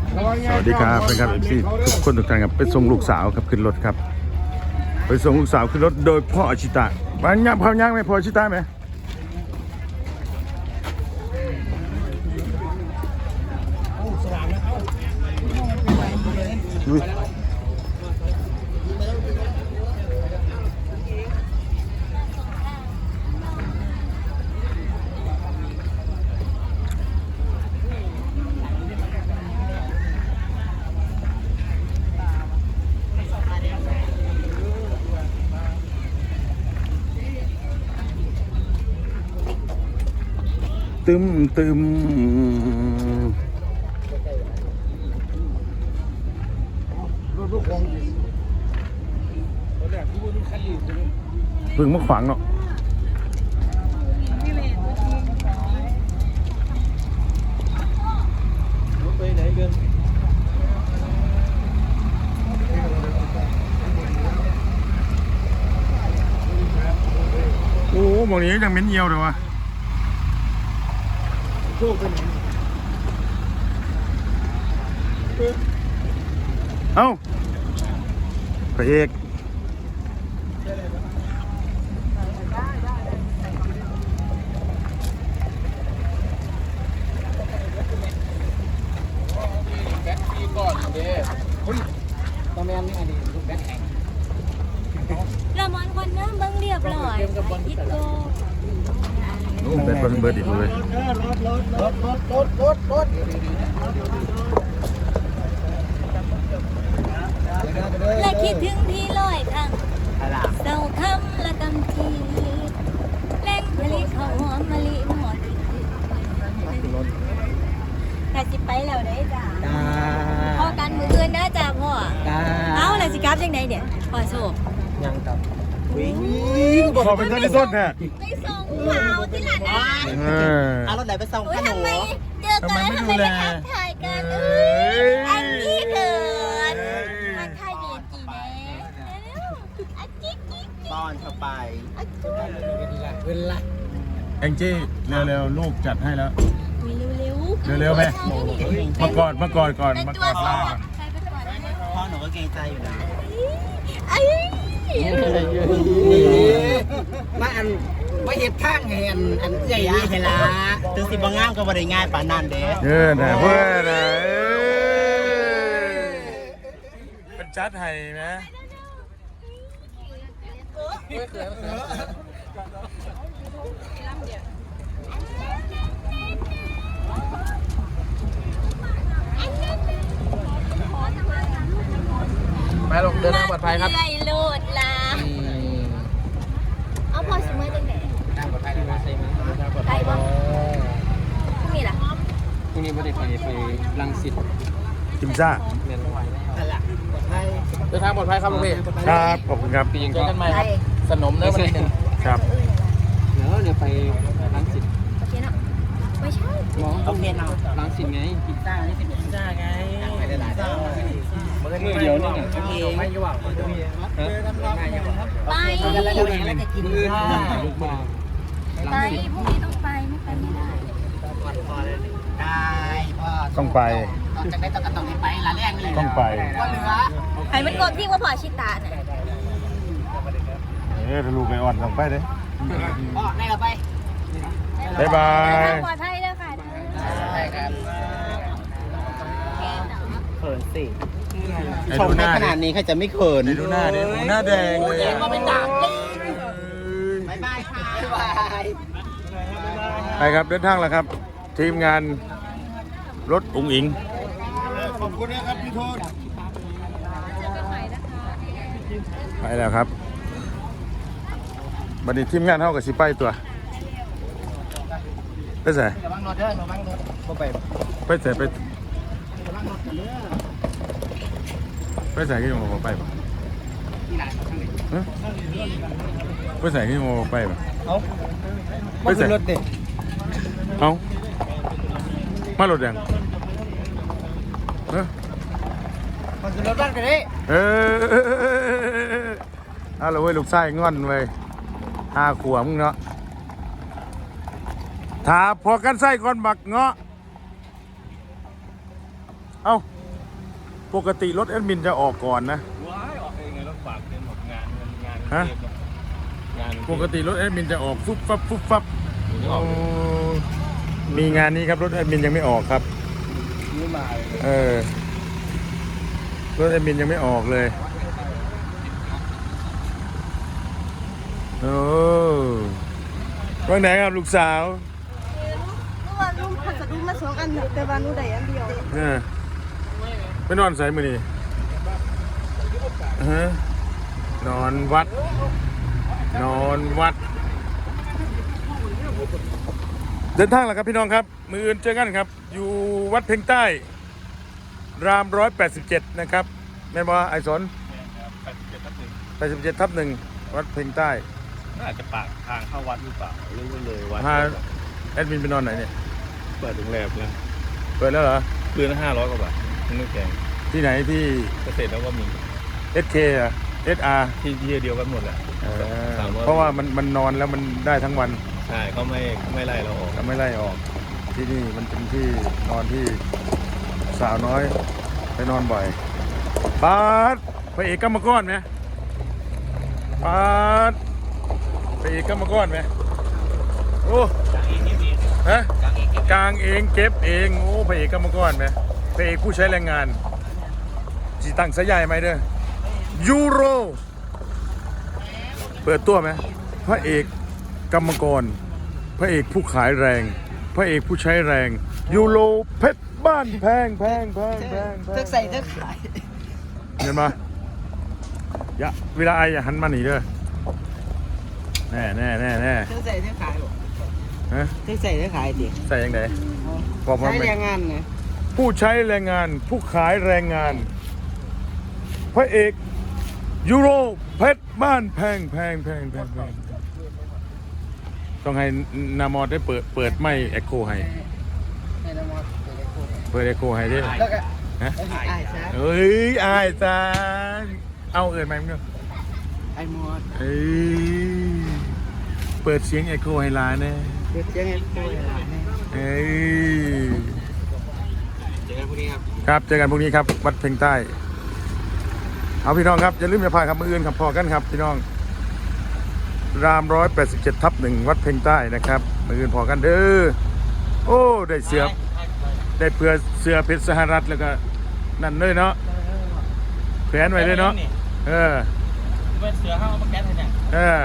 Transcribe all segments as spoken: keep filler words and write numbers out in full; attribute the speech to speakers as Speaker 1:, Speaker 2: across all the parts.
Speaker 1: สวัสดีครับเป็นครับเอฟซีทุกคนทุกท่านครับไปส่งลูกสาวครับขึ้นรถครับไปส่งลูกสาวขึ้นรถโดยพ่ออาชิตะบ้านย่างพ่อย่างไหมพ่ออาชิตะไหมตึมตึมเพิ่งมาขวางเนาะไปไหนกันโอ้หมองนี้ยังเหม็นเยี่ยวเลยวะเอ้าพระเอก
Speaker 2: แบ็คทีก่อนเด้เฮ้ยตอนแรกนี่อันนี้ลูกแบ็คแข็ง
Speaker 3: ละมอนคนน้ำเบิ้งเรียบร้อยอิโก้
Speaker 1: โอ้เป็นคนเบิร์ดอีกเลย
Speaker 2: รถรถรถรถรถ
Speaker 3: และคิดถึงพี่ลอยครั้งเศร้าคำละกำทีแรงผลิตข้าวหอมมะลิหมดแต่สิไปแล้วได้จ้าพอกันมืออื่นนะจ้าพ่อเอาอะไรสิกราฟยังไงเนี่ยพ่อโชค
Speaker 2: ยังกับวิ่ง
Speaker 1: ขอเป็นท่านที่ต้นแท้
Speaker 3: ไปส่งข่าวที่หลานนะ
Speaker 2: เอารถไหนไปส่งขนม
Speaker 3: เจอกันแล้วทำไมไม่ทักทายกันเอ้ยอันนี้เกินทักทายเดียจีแน่อันจิ๊กจิ๊ก
Speaker 2: ตอนเธอไปเวลา
Speaker 1: แองจี้เร็วๆลูกจัดให้แล้ว
Speaker 3: เร็วๆ
Speaker 1: เร็วๆไหมมากอดมากอดก่อนมากอดล่าก่อน
Speaker 2: พ่อหนูก็เกรงใจอยู่นะ
Speaker 3: ไอ้
Speaker 2: มาอันมาเห็ดข้างแหนอันใหญ่ยี่เฮล่าถึงสิบงามก็บริง่ายป่านนั้นเด้
Speaker 1: เออนะเพื่อนนะเป็นจัดไห้นะ
Speaker 2: มาลงเดินทางปลอดภัยครับ
Speaker 3: ไล่โลดลาเอาพอสิเมื่อจังไหน
Speaker 2: ทางปลอดภัยดีไหมใช่ไหมทางปลอดภัย
Speaker 3: พรุ่งนี้ล่ะ
Speaker 2: พรุ่งนี้ไม่ได้ไปไปรังสิต
Speaker 1: จิมซ่า
Speaker 2: เดินทางปลอดภัยครับลุงพี่
Speaker 1: ครับขอบคุณครับ
Speaker 2: ปีนเจอกันใหม่ครับสนมเนื้อวันที่หนึ่ง
Speaker 1: ครับ
Speaker 2: เดี๋ยวเดี๋ยวไปรังสิต
Speaker 3: โอเคเนาะไม่ใช่
Speaker 2: โอเคเนาะรังสิตไงพิซซ่านี่เป็นพิซซ่าไงไปได้หลายเจ้ามือเดียวนี่ไงโอเคไม่ยุ่งอ่ะ
Speaker 3: ไป
Speaker 2: แล้วจะกินอื่นลูกบอล
Speaker 3: ไปพรุ่งนี้ต้องไปไม่ไปไม่ได้
Speaker 2: ได้พ่อ
Speaker 1: ต้องไป
Speaker 2: จะได้ต้องต้องไปละแรงเลย
Speaker 1: ต้องไป
Speaker 2: ก็เหลือ
Speaker 3: ไอ้มันกดที่ว่าพอชิตาเนี่ย
Speaker 1: เออถ้าลูกไม่อ่อนต้องไปเลย
Speaker 2: พ่อได้เราไป
Speaker 1: บ๊ายบาย
Speaker 3: ปลอดภัยด้วยค่ะ
Speaker 2: ใช่ครับเขินสิชมในขนาดนี้ใครจะไม่เขิน
Speaker 1: ดูหน้าดิดูหน้าแดงเลย
Speaker 2: มาเป็นดาบเลยบ๊ายบายค่ะบ๊ายบาย
Speaker 1: ไปครับเดินทางแล้วครับทีมงานรถอุ๋งอิง
Speaker 2: ขอบคุณนะครับพี่โทษ
Speaker 1: ไปแล้วครับบัดนี้ทีมงานเท่ากับสิไปตัวไปใส่ไปใส่ไปไปใส่กี่โมงไปปะไปใส่กี่โมงไปปะ
Speaker 2: เอาไปใส่รถเด็ก
Speaker 1: เอามารถยังเออ
Speaker 2: มันคือรถบ้านกันดิ
Speaker 1: เออเอาละเว้ยลูกชายงอนเว้ยห้าขวบมึงเนาะถ้าพอกันไส้ก่อนบักเงาะเอาปกติรถแอดมินจะออกก่อนนะ
Speaker 2: ว้ายออกเองไงรถฝากเป็นหมดงานงาน
Speaker 1: ฮะ
Speaker 2: งาน
Speaker 1: ปกติรถแอดมินจะออกฟุบฟับฟุบฟับ
Speaker 2: นี่อ
Speaker 1: โอ้
Speaker 2: อก
Speaker 1: มีงานนี้ครับรถแอดมินยังไม่ออกครับ
Speaker 2: นี่มาเลย
Speaker 1: เออรถแอดมินยังไม่ออกเลยโอ้ว่างไหนครับลูกสาว
Speaker 4: เมื่อวานลุงพัสดุมาสองอันอยู่แต่ว่าหนูได้อันเดียว
Speaker 1: เออไปนอนใส่มือนี่ฮะนอนวัด นอนวัด เดินทางแล้วครับพี่น้องครับ มืออื่นเจอกันครับ อยู่วัดเพ็งใต้ รามร้อยแปดสิบเจ็ดนะครับแม่นบ่ไอสน
Speaker 2: แปดสิบเจ็ดทับหนึ่ง
Speaker 1: แปดสิบเจ็ดทับหนึ่งวัดเพ็งใต้
Speaker 2: น่าจะปากทางเข้าวัดหรือเปล่าหรือว่าเลยวัด
Speaker 1: พาแอดมินไปนอนไหนเนี่ย
Speaker 2: เปิดโรงแรมแล้ว
Speaker 1: เปิดแล้วเหรอ
Speaker 2: คืนละห้าร้อยกว่าบาทไม่แพง
Speaker 1: ที่ไหนที่
Speaker 2: เกษตรแล้วก็มี
Speaker 1: เอส เค อ่ะ เอส อาร์
Speaker 2: ที่ที่เดียวกันหมดแหละสามร้อย
Speaker 1: เพราะว่ามันมันนอนแล้วมันได้ทั้งวัน
Speaker 2: ใช่เขาไม่เขาไม่ไล่เราออก
Speaker 1: ก็ไม่ไล่ออก ที่นี่มันเป็นที่นอนที่สาวน้อยไปนอนบ่อยปาดพระเอกกรรมกรไหมปาดพระเอกกรรมกรไหมโอ้ฮะกลางเองเก็บเองโอ้พระเอกกรรมกรไหมพระเอกผู้ใช้แรงงานจีตังสายใหญ่ไหมเด้อยูโรเปิดตัวไหมพระเอกกรรมกรพระเอกผู้ขายแรง พระเอกผู้ใช้แรงยูโรเพชรบ้านแพงแพงแพงแพงแพง
Speaker 4: เทือกใส่เทือกขาย
Speaker 1: เห็นปะอย่าเวลาไออย่าหันมาหนีเด้อแน่แน่แน่แน่
Speaker 4: เทือกใส่เทือกขายหรอ
Speaker 1: ฮะ
Speaker 4: เทือกใส่เทือกขายดิ
Speaker 1: ใส่ยังไงบอกมา
Speaker 4: ใช้
Speaker 1: ไหม
Speaker 4: แรงงานไง
Speaker 1: ผู้ใช้แรงงานผู้ขายแรงงาน พระเอกยูโรเพชรบ้านแพงแพงแพงแพงแพงต้องให้นามอดได้เปิดเปิดไม่เอ็กโคให้
Speaker 4: ให้น้ำมัน
Speaker 1: เปิดเอ็กโคให้ด้วย
Speaker 4: แล้วก็
Speaker 1: ฮะ
Speaker 4: ไอ้ซะ
Speaker 1: เอ้ยอายจานเอาเอินไหมมึงเนาะ
Speaker 4: ไอ้มอด
Speaker 1: เอ้ยเปิดเสียงเอ็กโคให้ร้านแน่
Speaker 4: เดี๋ยวยังไงตัวหลานเนี่ย
Speaker 1: เอ้ย
Speaker 2: เจอกันพรุ่งนี้ครับ
Speaker 1: ครับเจอกันพรุ่งนี้ครับวัดเพ็งใต้ เอาพี่น้องครับอย่าลืมอย่าพลาดครับมืออื่นครับพอกันครับพี่น้องรามร้อยแปดสิบเจ็ดทับหนึ่งวัดเพ็งใต้นะครับมืออื่นพอกันเด้อโอ้ได้เสือได้เพื่อเสือเพชรสหรัฐแล้วก็นั่นเลยเนาะแขวนไว้เลยเนาะเออ
Speaker 2: เป็นเสือห้ามาแก๊สเนี่ย
Speaker 1: เออ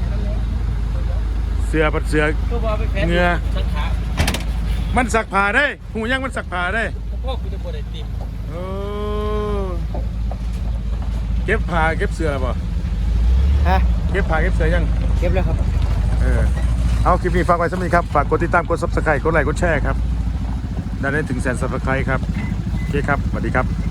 Speaker 1: เสือปัดเสือ
Speaker 2: ก็ว่าไปแก๊สสักขา
Speaker 1: มันสักผ้าได้หูยังมันสักผ้าได้
Speaker 2: พวกคุณจะปวดไอติม
Speaker 1: โอ้เก็บผ้าเก็บเสือป่ะ
Speaker 4: ฮะ
Speaker 1: เก็บผ้าเก็บเสือยัง
Speaker 4: เก็บแล้วครับ
Speaker 1: เออเอาคลิปนี้ฝากไว้สักนิดครับฝากกดติดตามกด ซับสไครบ์ กดไลค์กดแชร์ครับได้ได้ถึงแสน ซับสไครบ์ ครับโอเคครับสวัสดีครับ